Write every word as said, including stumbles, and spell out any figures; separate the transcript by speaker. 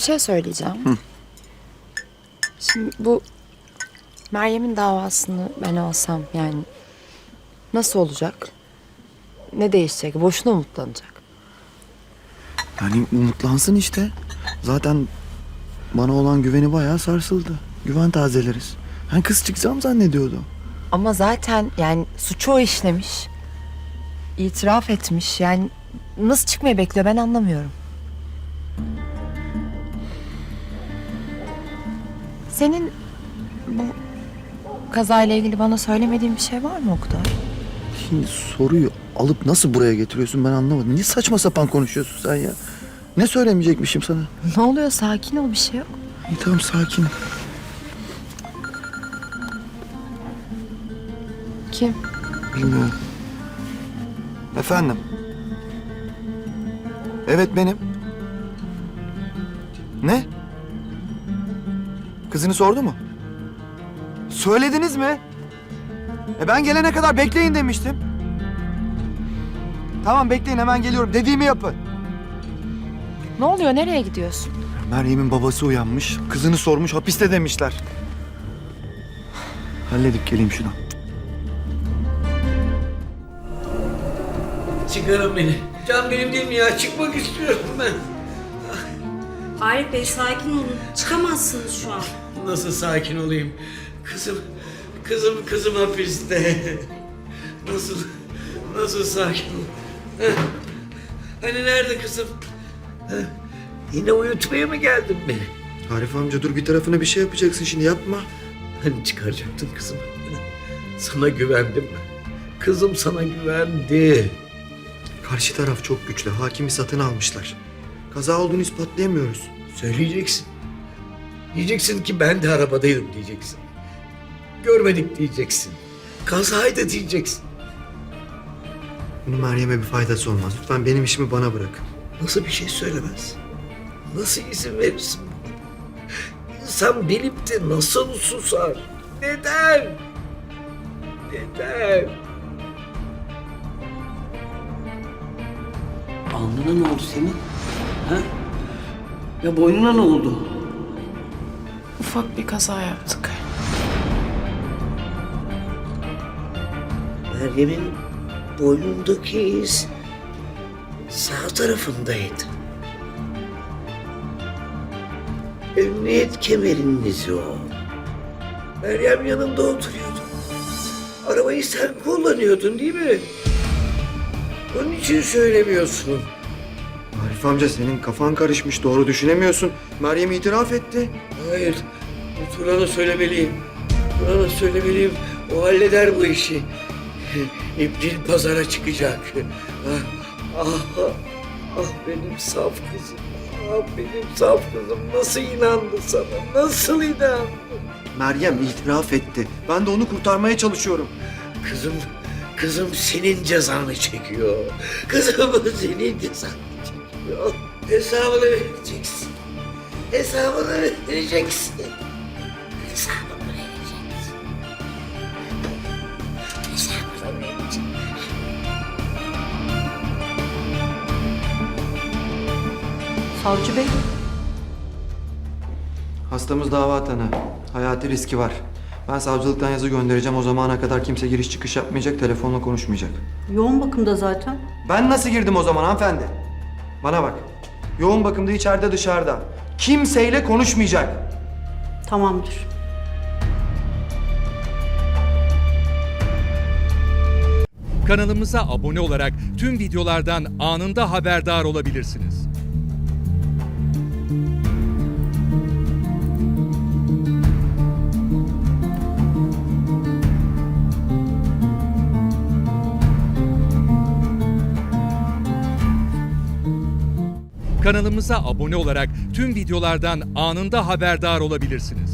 Speaker 1: şey söyleyeceğim. Hı. Şimdi bu Meryem'in davasını ben alsam yani nasıl olacak? Ne değişecek? Boşuna umutlanacak.
Speaker 2: Yani umutlansın işte. Zaten bana olan güveni bayağı sarsıldı. Güven tazeleriz. Ben kız çıkacağım zannediyordu.
Speaker 1: Ama zaten yani suçu o işlemiş. İtiraf etmiş. Yani nasıl çıkmayı bekliyor ben anlamıyorum. Senin bu kazayla ilgili bana söylemediğin bir şey var mı Oktay?
Speaker 2: Şimdi soruyu alıp nasıl buraya getiriyorsun ben anlamadım. Niye saçma sapan konuşuyorsun sen ya? Ne söylemeyecekmişim sana?
Speaker 1: Ne oluyor? Sakin ol, bir şey yok.
Speaker 2: İyi tamam sakin.
Speaker 1: Kim?
Speaker 2: Bilmiyorum. Efendim? Evet benim. Ne? Kızını sordu mu? Söylediniz mi? E ben gelene kadar bekleyin demiştim. Tamam bekleyin hemen geliyorum. Dediğimi yapın.
Speaker 1: Ne oluyor? Nereye gidiyorsun?
Speaker 2: Meryem'in babası uyanmış. Kızını sormuş hapiste demişler. Halledip geleyim şunu.
Speaker 3: Çıkarın beni. Can benim değil mi ya? Çıkmak istiyorum ben.
Speaker 4: Arif Bey sakin olun. Çıkamazsınız şu an.
Speaker 3: Nasıl sakin olayım? Kızım, kızım, kızım hapiste. Nasıl, nasıl sakin ol? Heh. Hani nerede kızım? Heh. Yine uyutmaya mı geldin beni?
Speaker 2: Arif amca dur bir tarafına bir şey yapacaksın şimdi yapma.
Speaker 3: Hani çıkaracaktın kızımı? Sana güvendim. Kızım sana güvendi.
Speaker 2: Karşı taraf çok güçlü. Hakimi satın almışlar. Kaza olduğunu ispatlayamıyoruz.
Speaker 3: Söyleyeceksin. Diyeceksin ki ben de arabadaydım diyeceksin. Görmedik diyeceksin. Kazaydı diyeceksin.
Speaker 2: Bunun Meryem'e bir faydası olmaz. Lütfen benim işimi bana bırakın.
Speaker 3: Nasıl bir şey söylemez? Nasıl izin verirsin buna? İnsan bilip de nasıl susar? Neden? Neden? Alnına ne oldu senin? Ha? Ya boynuna ne oldu?
Speaker 1: Ufak bir kaza yaptık.
Speaker 3: Meryem'in boynundaki iz sağ tarafındaydı. Emniyet kemerinin izi o. Meryem yanında oturuyordu. Arabayı sen kullanıyordun değil mi? Onun için söylemiyorsun.
Speaker 2: Arif amca senin kafan karışmış. Doğru düşünemiyorsun. Meryem itiraf etti.
Speaker 3: Hayır, Turan'a söylemeliyim. Turan'a söylemeliyim. O halleder bu işi. İbril pazara çıkacak. Ah, ah, ah benim saf kızım. Ah benim saf kızım. Nasıl inandı sana? Nasıl inandı?
Speaker 2: Meryem itiraf etti. Ben de onu kurtarmaya çalışıyorum.
Speaker 3: Kızım, kızım senin cezanı çekiyor. Kızım senin cezanı çekiyor. Hesabını vereceksin. Hesabını vereceksin. Hesabını vereceksin. Hesabını vereceksin.
Speaker 1: Savcı Bey.
Speaker 2: Hastamız dava tanığı. Hayati riski var. Ben savcılıktan yazı göndereceğim. O zamana kadar kimse giriş çıkış yapmayacak, telefonla konuşmayacak.
Speaker 4: Yoğun bakımda zaten.
Speaker 2: Ben nasıl girdim o zaman hanımefendi? Bana bak. Yoğun bakımda içeride dışarıda. Kimseyle konuşmayacak.
Speaker 4: Tamamdır.
Speaker 5: Kanalımıza abone olarak tüm videolardan anında haberdar olabilirsiniz. Kanalımıza abone olarak tüm videolardan anında haberdar olabilirsiniz.